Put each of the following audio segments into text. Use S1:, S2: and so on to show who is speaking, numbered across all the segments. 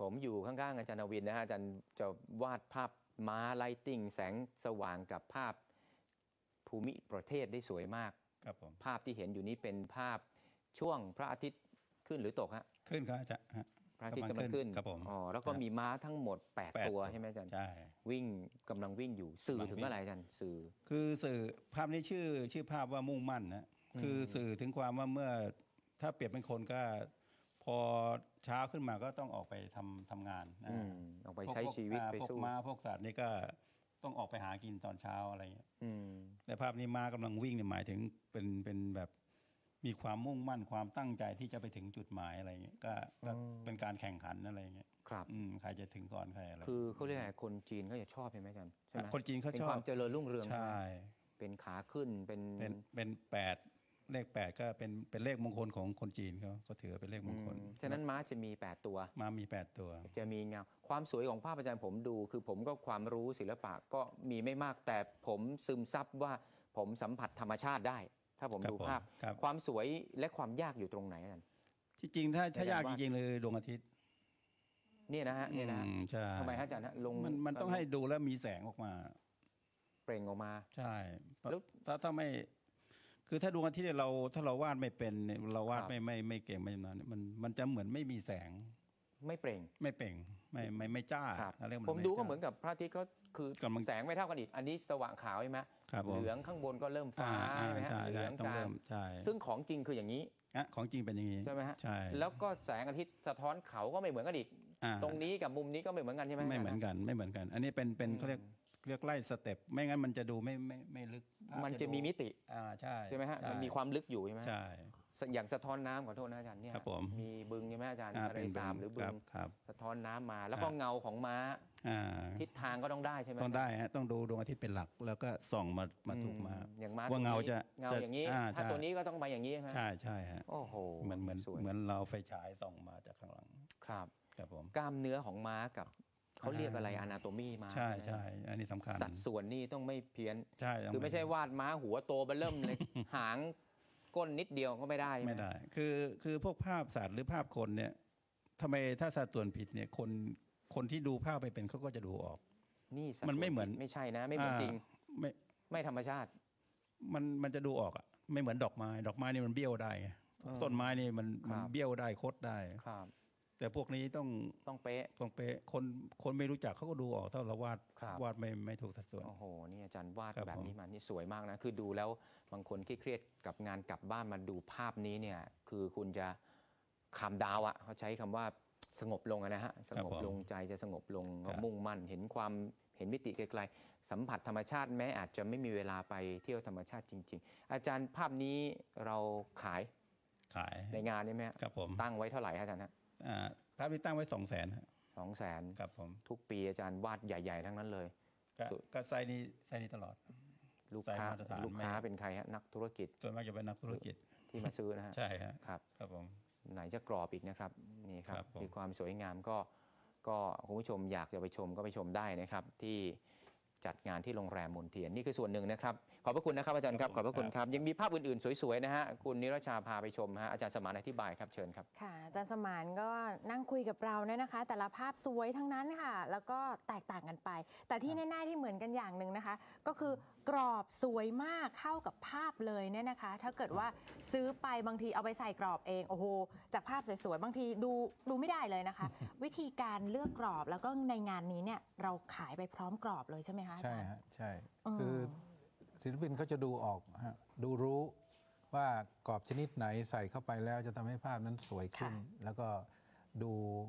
S1: ผมอยู่ข้างๆอาจารย์นวินนะฮะอาจารย์จะวาดภาพม้าไลติ้งแสงสว่างกับภาพภูมิประเทศได้สวยมาก
S2: ครับผม
S1: ภาพที่เห็นอยู่นี้เป็นภาพช่วงพระอาทิตย์ขึ้นหรือตกฮะ
S2: ขึ้นครับอาจารย์
S1: พระอาทิตย์กำลังขึ้น
S2: ครับผม
S1: อ๋อแล้วก็มีม้าทั้งหมด8ตัวใช่ไหมอาจารย์
S2: ใช่
S1: วิ่งกำลังวิ่งอยู่สื่อถึงอะไรอาจารย์สื่อ
S2: คือสื่อภาพนี้ชื่อภาพว่ามุ่งมั่นนะคือสื่อถึงความว่าเมื่อถ้าเปรียบเป็นคนก็พอเช้าขึ้นมาก็ต้องออกไปทำงานนะ
S1: ออกไปใช้ชีวิตไปสู้
S2: พวกม้าพวกสัตว์นี่ก็ต้องออกไปหากินตอนเช้าอะไรเงี้ยและภาพนี้ม้ากำลังวิ่งเนี่ยหมายถึงเป็นแบบมีความมุ่งมั่นความตั้งใจที่จะไปถึงจุดหมายอะไรเงี้ยก็เป็นการแข่งขันอะไรเงี้ย
S1: ครับ
S2: ใครจะถึงก่อนใครอะไร
S1: คือเขาเรียกอะไรคนจีนเขาจะชอบใช่ไหมอาจารย์ใช่ไหม
S2: คนจีนเขาชอบ
S1: ความเจริญรุ่งเรือง
S2: ใช่
S1: เป็นขาขึ้นเป็น
S2: 8เลข8ก็เป็นเลขมงคลของคนจีนเขาถือเป็นเลขมงคล
S1: ฉะนั้นม้าจะมี8ตัว
S2: ม้ามี8ตัว
S1: จะมีเงาความสวยของภาพอาจารย์ผมดูคือผมก็ความรู้ศิลปะก็มีไม่มากแต่ผมซึมซับว่าผมสัมผัสธรรมชาติได้ถ้าผมดูภาพความสวยและความยากอยู่ตรงไหนอาจารย์
S2: ที่จริงถ้ายากจริงๆเลยดวงอาทิตย์
S1: เนี่ยนะฮะเนี่ยนะทำไมฮะอาจารย์ฮะลง
S2: มันต้องให้ดูแล้วมีแสงออกมา
S1: เปล่งออกมา
S2: ใช่แล้วถ้าไม่คือถ้าดวงอาทิตย์ถ้าเราวาดไม่เป็นเราวาดไม่เก่งไม่ชำนาญมันจะเหมือนไม่มีแสง
S1: ไม่เปล่ง
S2: ไม่จ้า
S1: ผมดูก็เหมือนกับพระอาทิตย์ก็คือแสงไม่เท่ากันอีกอันนี้สว่างขาวใช่ไหมเหลืองข้างบนก็เริ่มฟ้าใช่ไหมฮะเหลืองกลางซึ่งของจริงคืออย่างนี้
S2: ของจริงเป็นอย่างนี้
S1: ใช่ไหมฮะ
S2: ใช่
S1: แล้วก็แสงอาทิตย์สะท้อนเขาก็ไม่เหมือนกันอีกตรงนี้กับมุมนี้ก็ไม่เหมือนกันใช่ไหม
S2: ไม่เหมือนกันอันนี้เป็นเขาเรียกไล่สเต็ปไม่งั้นมันจะดูไม่ลึก
S1: มันจะมีมิติ
S2: ใช่
S1: ไหมฮะมันมีความลึกอยู่ใช่ไหม
S2: ใช่
S1: อย่างสะท้อนน้ำขอโทษนะอาจารย์เนี่ยมีบึงใช่ไหมอาจารย์ทะเลสาบหรือบึงสะท้อนน้ำมาแล้วก็เงาของม้าทิศทางก็ต้องได้ใช่ไหม
S2: ต้องได้ฮะต้องดูดวงอาทิตย์เป็นหลักแล้วก็ส่องมาถูกมา
S1: อย่างม้า
S2: ว่าเงา
S1: อย่างนี้ถ้าตัวนี้ก็ต้องมาอย่างนี้ใช่ไหม
S2: ใช่ฮะ
S1: โอ้โห
S2: เหมือนเราไฟฉายส่องมาจากข้างหลัง
S1: ครับ
S2: ผม
S1: กล้ามเนื้อของม้ากับเขาเรียกอะไรอนาโตมีมา
S2: ใช่อันนี้สำคัญ
S1: สัดส่วนนี่ต้องไม่เพี้ยน
S2: ใช่
S1: คือไม่ใช่วาดม้าหัวโตเบิ่มเลยหางก้นนิดเดียวก็ไม่ได้
S2: คือพวกภาพสัตว์หรือภาพคนเนี่ยทำไมถ้าสัดส่วนผิดเนี่ยคนที่ดูภาพไปเป็นเขาก็จะดูออก
S1: นี่
S2: มันไม่เหมือน
S1: ไม่ใช่นะไม่เหมือนจริงไม่ธรรมชาติ
S2: มันจะดูออกอ่ะไม่เหมือนดอกไม้นี่มันเบี้ยวได้ต้นไม้นี่มันเบี้ยวได้คดได้แต่พวกนี้ต้องเป๊ะคนไม่รู้จักเขาก็ดูออกถ้าเราวาดไม่ถูกสัดส่วน
S1: โอ้โหนี่อาจารย์วาดแบบนี้มานี่สวยมากนะคือดูแล้วบางคนเครียดกับงานกลับบ้านมาดูภาพนี้เนี่ยคือคุณจะคำดาวอ่ะเขาใช้คำว่าสงบลงนะฮะสงบลงใจจะสงบลงมุ่งมั่นเห็นมิติไกลๆสัมผัสธรรมชาติแม้อาจจะไม่มีเวลาไปเที่ยวธรรมชาติจริงๆอาจารย์ภาพนี้เราขายในงานนี้ไหม
S2: ครับผม
S1: ตั้งไว้เท่าไหร่อาจารย์ฮะ
S2: ภาพนี้ตั้งไว้200,000
S1: 200,000
S2: ครับผม
S1: ทุกปีอาจารย์วาดใหญ่ๆทั้งนั้นเลย
S2: ก็ไซส์นี้ตลอด
S1: ลูกค้าเป็นใครฮะนักธุรกิจ
S2: ส่วนมากจะเป็นนักธุรกิจ
S1: ที่มาซื้อนะฮะ
S2: ใช่
S1: ครับ
S2: ผม
S1: ไหนจะกรอบอีกนะครับนี่ครับมีความสวยงามก็คุณผู้ชมอยากจะไปชมก็ไปชมได้นะครับที่จัดงานที่โรงแรมมนเทียนนี่คือส่วนหนึ่งนะครับขอบพระคุณนะครับอาจารย์ครับขอบพระคุณครับยังมีภาพอื่นๆสวยๆนะฮะคุณนิรชาพาไปชมฮะอาจารย์สมานอธิบายครับเชิญครับ
S3: ค่ะอาจารย์สมานก็นั่งคุยกับเราเนี่ยนะคะแต่ละภาพสวยทั้งนั้นค่ะแล้วก็แตกต่างกันไปแต่ที่แน่ๆที่เหมือนกันอย่างหนึ่งนะคะก็คือกรอบสวยมากเข้ากับภาพเลยเนี่ยนะคะถ้าเกิดว่าซื้อไปบางทีเอาไปใส่กรอบเองโอ้โหจากภาพสวยๆบางทีดูไม่ได้เลยนะคะ วิธีการเลือกกรอบแล้วก็ในงานนี้เนี่ยเราขายไปพร้อมกรอบเลยใช่ไหมคะ
S4: ใช่ฮะใช่คือศิลปินเขาจะดูออกฮะดูรู้ว่ากรอบชนิดไหนใส่เข้าไปแล้วจะทำให้ภาพนั้นสวยขึ้นแล้วก็ดู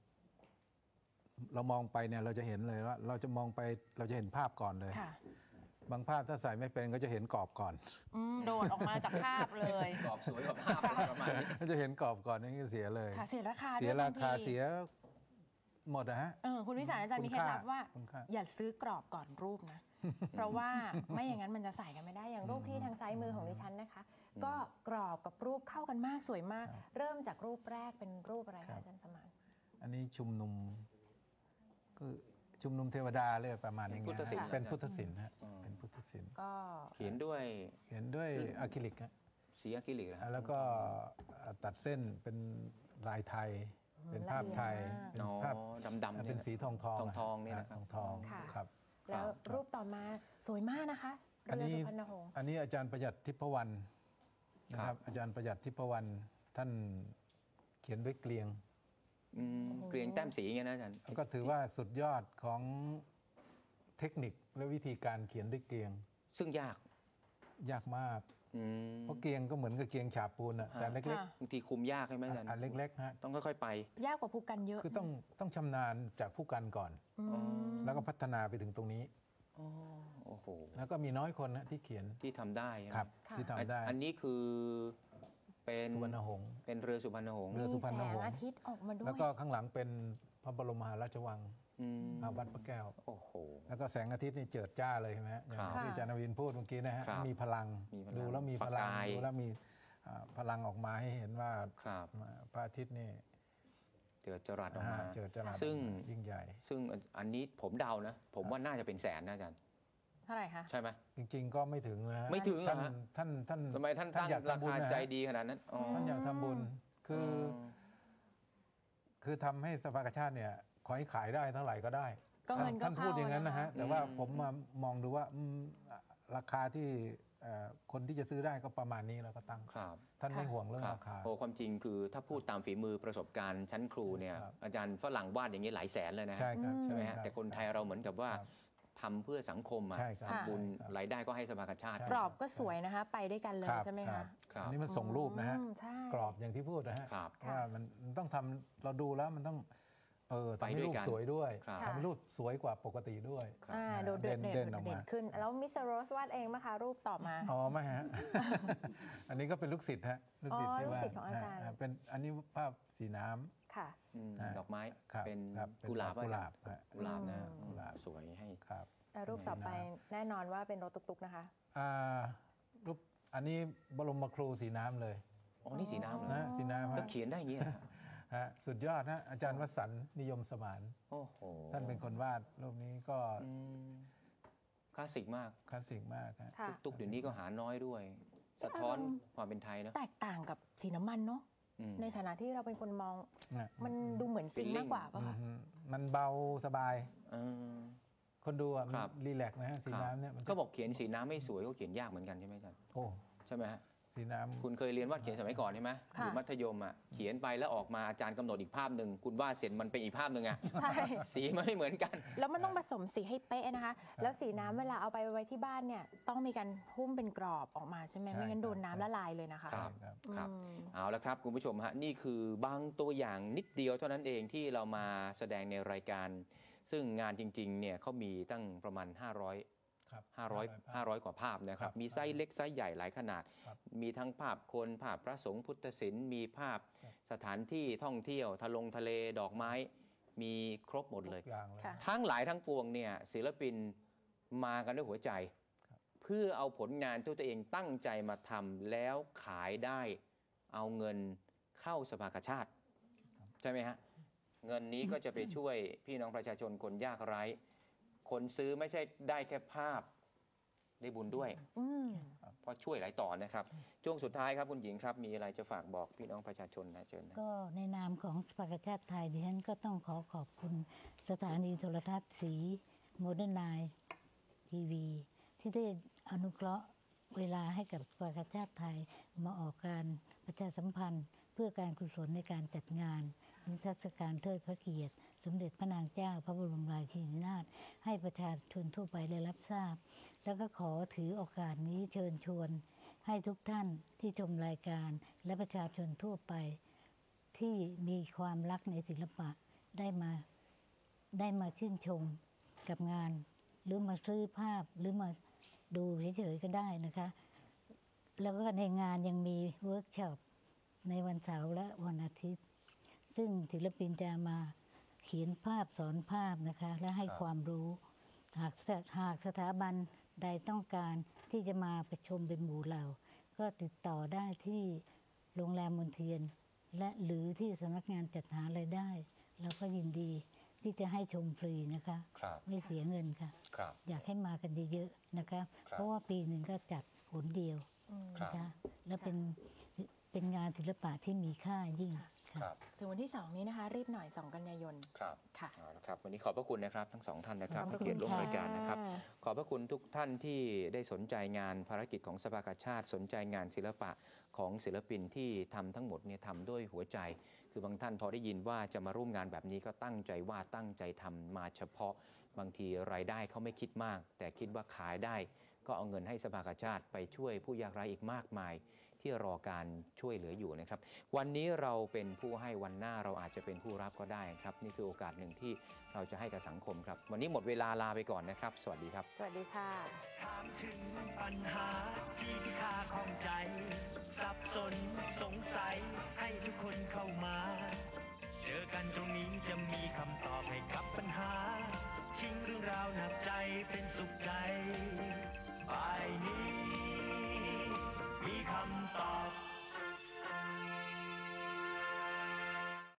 S4: เรามองไปเนี่ยเราจะเห็นเลยว่าเราจะมองไปเราจะเห็นภาพก่อนเลยบางภาพถ้าใส่ไม่เป็นก็จะเห็นกรอบก่อน
S3: โดดออกมาจากภาพเลย
S1: กรอบสวยกว่าภาพประมาณนี้
S4: จะเห็นกรอบก่อนนี่เสียเลย
S3: เสียราคา
S4: เสียหมดนะฮะ
S3: คุณวิสารอาจารย์มีเคล็ดลับว่าอย่าซื้อกรอบก่อนรูปนะเพราะว่าไม่อย่างนั้นมันจะใส่กันไม่ได้อย่างรูปที่ทางซ้ายมือของดิฉันนะคะก็กรอบกับรูปเข้ากันมากสวยมากเริ่มจากรูปแรกเป็นรูปอะไรคะอาจารย์สมาน
S4: อันนี้ชุมนุมคือชุมนุมเทวดาเลยประมาณนี้เป็นพุทธศิลป์ฮะเป็นพุทธศิลป์
S1: ก็เขียนด้วย
S4: อะคริลิกฮะ
S1: สีอะคริลิก
S4: แล้วก็ตัดเส้นเป็นลายไทยเป็นภาพไทย
S3: ละเอียดมาก
S4: เป็นภาพ
S1: ดำๆ
S4: เป็นสีทอง
S1: ทองๆเนี่ยนะครับ
S4: ทอง
S3: ค่ะ
S4: ครับ
S3: แล้วรูปต่อมาสวยมากนะคะ
S4: อัน
S3: เรือ
S4: นี้
S3: สุพรรณหงส์
S4: อันนี้อาจารย์ประหยัดทิพวรรณนะครับอาจารย์ประหยัดทิพวรรณท่านเขียนด้วยเกลียง
S1: เกรียงแต้มสีอย่างเงี้ยนะอาจารย์
S4: ก็ถือว่าสุดยอดของเทคนิคและวิธีการเขียนด้วยเกลียง
S1: ซึ่งยาก
S4: ยากมาก
S1: อืม
S4: เพราะเกลียงก็เหมือนกับเกลียงฉาบปูนอะแต่เล็ก
S3: ค่ะ
S1: บางทีคุมยากใช่ไหมอาจารย์
S4: ๆอันเล็กๆฮะ
S1: ต้องค่อยๆไป
S3: ยากกว่าภูกันเยอะ
S4: คือต้องชำนาญจากผู้กันก่อน แล้วก็พัฒนาไปถึงตรงนี้
S1: โอ้โห
S4: แล้วก็มีน้อยคนนะที่เขียน
S1: ที่ทำได้ใช่ไหม
S4: ครับ
S3: ค่ะ
S4: ที่ทำได้
S1: อันนี้คือเป็น
S4: สุวรรณหงษ์
S1: เป็นเรือสุพรรณหงษ์
S4: เรือ สุพรรณหงษ์
S3: มีแสงอาทิตย์ออกมาด้วย
S4: แล้วก็ข้างหลังเป็นพระบรมมหาราชวัง
S1: อืม
S4: วัดพระแก้ว
S1: โอ้โห
S4: แล้วก็แสงอาทิตย์นี่เจิดจ้าเลยใช่ไหมฮะอย่าง
S1: ครับ
S4: ที่อาจารย์นวินพูดเมื่อกี้นะฮะ
S1: ครับ
S4: มีพลัง
S1: มีพลัง
S4: ดูแล้วมีพ
S1: ประ
S4: ลัง
S1: กาย
S4: ดูแล้วมีพลังออกมาให้เห็นว่า
S1: ครับ
S4: พระอาทิตย์นี่
S1: เจอจรัสออกมา
S4: เจิดจรัส
S1: ซึ่ง
S4: ยิ่งใหญ่
S1: ซึ่งอันนี้ผมเดานะ ผมว่าน่าจะเป็นแสนนะอาจารย์
S3: เท่าไหร่คะ
S1: ใช่ไหม
S4: จริงๆก็ไม่ถึงนะฮะ
S1: ไม่ถึงเหรอ
S4: ท่าน
S1: ฮะ
S4: ท่าน
S1: ทำไมท่านตั้ง
S4: อยาก
S1: รา
S4: ทำบุญ
S1: คา
S4: นะฮะ
S1: ใจดีขนาดนั้นอ๋อ
S4: ท่านอยากทำบุญคือทำให้สภากาชาติเนี่ยขอให้ขายได้เท่าไหร่ก็ได้
S3: ก็เงินก็
S4: ท่านพูดอย่างนั้นนะฮะ
S3: เข้า
S4: แต่ว่าผมมามองดูว่าราคาที่คนที่จะซื้อได้ก็ประมาณนี้แล้วก็ตั้ง
S1: ครับ
S4: ท่านไม่ห่วงเรื่อง
S1: ครับ
S4: ราคา
S1: โอ้ความจริงคือถ้าพูดตามฝีมือประสบการณ์ชั้นครูเนี่ย
S4: ครับ
S1: อาจารย์ฝรั่งวาดอย่างนี้หลายแสนเลยนะ
S4: ใช่ครับ
S1: ใช่ไหมฮะ
S4: รับ
S1: แต่คนไทยเราเหมือนกับว่า
S4: ครับ
S1: ทำเพื่อสังคมอะ
S4: ใช่ครับ
S1: ทำบุญ
S4: ครับ
S1: รายได้ก็ให้สภากาชาติ
S4: ใช่
S3: กรอบก็สวยนะคะ ไปด้วยกันเลย
S4: ครับ
S3: ใช่ไหม
S4: ครั
S3: คะ
S4: บ
S1: ครับ
S4: อันนี้มันส่งรูปนะฮะ
S3: ใช่
S4: กรอบอย่างที่พูดนะฮะ
S1: ครับ
S4: ว่ามันต้องทำเราดูแล้วมันต้องทำให้
S1: ไปด้วย
S4: รูป
S1: กัน
S4: สวยด้วย
S1: ครับ
S4: ทำให้รูปสวยกว่าปกติด้วย
S1: ครับ
S3: โดดเด่น
S4: เด่นออกมา
S3: ขึ้น แล้วมิสเตอร์โรสวาดเองไหมคะ รูปต่อมา
S4: อ๋อไม่ฮะ อันนี้ก็เป็นลูกศิษย์ฮะลูกศิษย์
S3: อ๋อ
S4: ที่ว่า
S3: ลูกศิษย์ของอาจารย์
S4: เป็นอันนี้ภาพสีน้ำ
S3: ค่ะ
S1: ดอกไม้
S4: ครับ
S1: เป็น
S4: ครับ
S1: กุหลาบ
S4: กุหลาบ
S1: อะ
S4: ฮะ
S1: กุหลาบนะ
S4: กุหลาบ
S1: สวยให้
S4: ครับ
S3: แล้วรูปต่อไปแน่นอนว่าเป็นรถตุ๊กๆนะคะ
S4: อ่ารูปอันนี้บรมครูสีน้ำเลย
S1: อ๋อ นี่สีน้ำเหรอ
S4: นะสีน้ำ
S1: แล้ว
S4: ฮะ
S1: เขียนได้อย่างนี้เหรอ
S4: ฮะสุดยอดนะอาจารย์วสันต์นิยมสมาน
S1: โอ้โห
S4: ท่านเป็นคนวาดรูปนี้ก็
S1: อืมคลาสสิกมาก
S4: คลาสสิกมากฮะ
S3: ค่ะ
S1: ตุ๊กๆเดี๋ยวนี้ก็หาน้อยด้วย สะท้อนความเป็นไทยเนอะ
S3: แตกต่างกับสีน้ำมันเนาะ
S1: อืม
S3: ในฐานะที่เราเป็นคนมอง
S4: นะ
S3: มันดูเหมือนจริง
S1: Feeling
S3: มากกว่าป่ะคะ
S4: มันเบาสบาย
S1: เออ
S4: คนดูอ่ะมัน
S1: ครับ
S4: รีแลกซ์นะฮะสีน้ำเนี่ยมันจะ
S1: ก็บอกเขียนสีน้ำไม่สวยก็เขียนยากเหมือนกันใช่ไหมอาจารย์
S4: โอ้
S1: ใช่ไหมฮะ
S4: สีน้ำ
S1: คุณเคยเรียนวาดเขียนสมัยก่อนใช่ไหมอ
S3: ค่ะ
S1: ยู่มัธยมอ่ะเขียนไปแล้วออกมาอาจารย์กำหนดอีกภาพหนึ่งคุณวาดเสร็จมันเป็นอีกภาพหนึ่งอ่ะ
S3: ใช่
S1: สีมันไม่เหมือนกัน
S3: แล้วมันต้องผสมสีให้เป๊ะนะคะ แล้วสีน้ำเวลาเอาไปไว้ที่บ้านเนี่ยต้องมีการหุ้มเป็นกรอบออกมาใช่ไหม
S4: ใช่
S3: ไม่งั้นโดน
S4: ครับ
S3: น้ำละลายเลยนะคะ
S1: ครับ
S4: ครับ
S1: ครับ
S3: อืม
S1: เอาละครับคุณผู้ชมฮะนี่คือบางตัวอย่างนิดเดียวเท่านั้นเองที่เรามาแสดงในรายการ ซึ่งงานจริงๆเนี่ยเขามีตั้งประมาณ
S4: ครับ
S1: 500 กว่าภาพนะค
S4: ครั
S1: รับบ มีไซส์เล็กไซส์ใหญ่หลายขนาด
S4: ครับ
S1: มีทั้งภาพคนภาพพระสงฆ์พุทธศิลป์มีภาพ
S4: ครับ
S1: สถานที่ท่องเที่ยวทะเลดอกไม้ มีครบหมดเลย
S4: ทุกอย่างเลย
S3: ค่ะ
S1: ทั้งหลายทั้งปวงเนี่ยศิลปินมากันด้วยหัวใจ เพื่อเอาผลงานที่ตัวเองตั้งใจมาทำแล้วขายได้เอาเงินเข้าสภากาชาติ ใช่ไหมฮะ เงินนี้ก็จะไปช่วยพี่น้องประชาชนคนยากไร้ คนซื้อไม่ใช่ได้แค่ภาพได้บุญด้วย
S3: อืม
S1: เพราะช่วยหลายต่อนะครับช่วงสุดท้ายครับคุณหญิงครับ มีอะไรจะฝากบอกพี่น้องประชาชนนะเชิญนะ
S5: ก็ในนามของสภากาชาติไทยดิฉันก็ต้องขอบคุณสถานีโทรทัศน์สีโมเดิร์นไนทีวีที่ได้อนุเคราะห์เวลาให้กับสภากาชาติไทยมาออกการประชาสัมพันธ์ เพื่อการกุศลในการจัดงานนิทรรศการเทิดพระเกียรติ สมเด็จพระนางเจ้าพระบรมราชินีนาถให้ประชาชนทั่วไปได้รับทราบ แล้วก็ขอถือโอกาสนี้เชิญชวน ให้ทุกท่านที่ชมรายการและประชาชนทั่วไป ที่มีความรักในศิลปะได้มาชื่นชมกับงาน หรือมาซื้อภาพหรือมาดูเฉยๆก็ได้นะคะ แล้วก็ในงานยังมีเวิร์กช็อปในวันเสาร์และวันอาทิตย์ ซึ่งศิลปินจะมาเขียนภาพสอนภาพนะคะ และให้ความรู้ หากสถาบันใดต้องการที่จะมาประชุมเป็นหมู่เหล่า ก็ติดต่อได้ที่โรงแรมมนเทียน และหรือที่สำนักงานจัดหารายได้ เราก็ยินดีที่จะให้ชมฟรีนะคะ
S1: ครับ
S5: ไม่เสียเงินค่ะ
S1: ครับ
S5: อยากให้มากันเยอะๆนะคะ
S1: ครับ
S5: เพราะว่าปีหนึ่งก็จัดหนเดียว
S1: ครับ
S5: นะคะ แล้วเป็นงานศิลปะที่มีค่ายิ่งค่ะ
S3: ถึงวันที่ 2 นี้นะคะ รีบหน่อย 2 กันยายน
S1: ครับ
S3: ค่ะ
S1: เอาละครับวันนี้ขอบพระคุณนะครับทั้งสองท่านนะครับ
S3: ขอบพระ
S1: ให้เกียรติร่วม
S3: คุณค่ะ
S1: รายการนะครับ ขอบพระคุณทุกท่านที่ได้สนใจงานภารกิจของสภากาชาติ สนใจงานศิลปะของศิลปินที่ทำทั้งหมดเนี่ยทำด้วยหัวใจ คือบางท่านพอได้ยินว่าจะมาร่วมงานแบบนี้ก็ตั้งใจว่าตั้งใจทำมาเฉพาะบางทีรายได้เขาไม่คิดมาก แต่คิดว่าขายได้ก็เอาเงินให้สภากาชาติไปช่วยผู้ยากไร้อีกมากมายที่รอการช่วยเหลืออยู่นะครับวันนี้เราเป็นผู้ให้วันหน้าเราอาจจะเป็นผู้รับก็ได้ครับนี่คือโอกาสหนึ่งที่เราจะให้กับสังคมครับวันนี้หมดเวลาลาไปก่อนนะครับสวัสดีครับ
S3: สวัสดีค่ะ
S6: ถามถึงปัญหาที่ข้าข้องใจ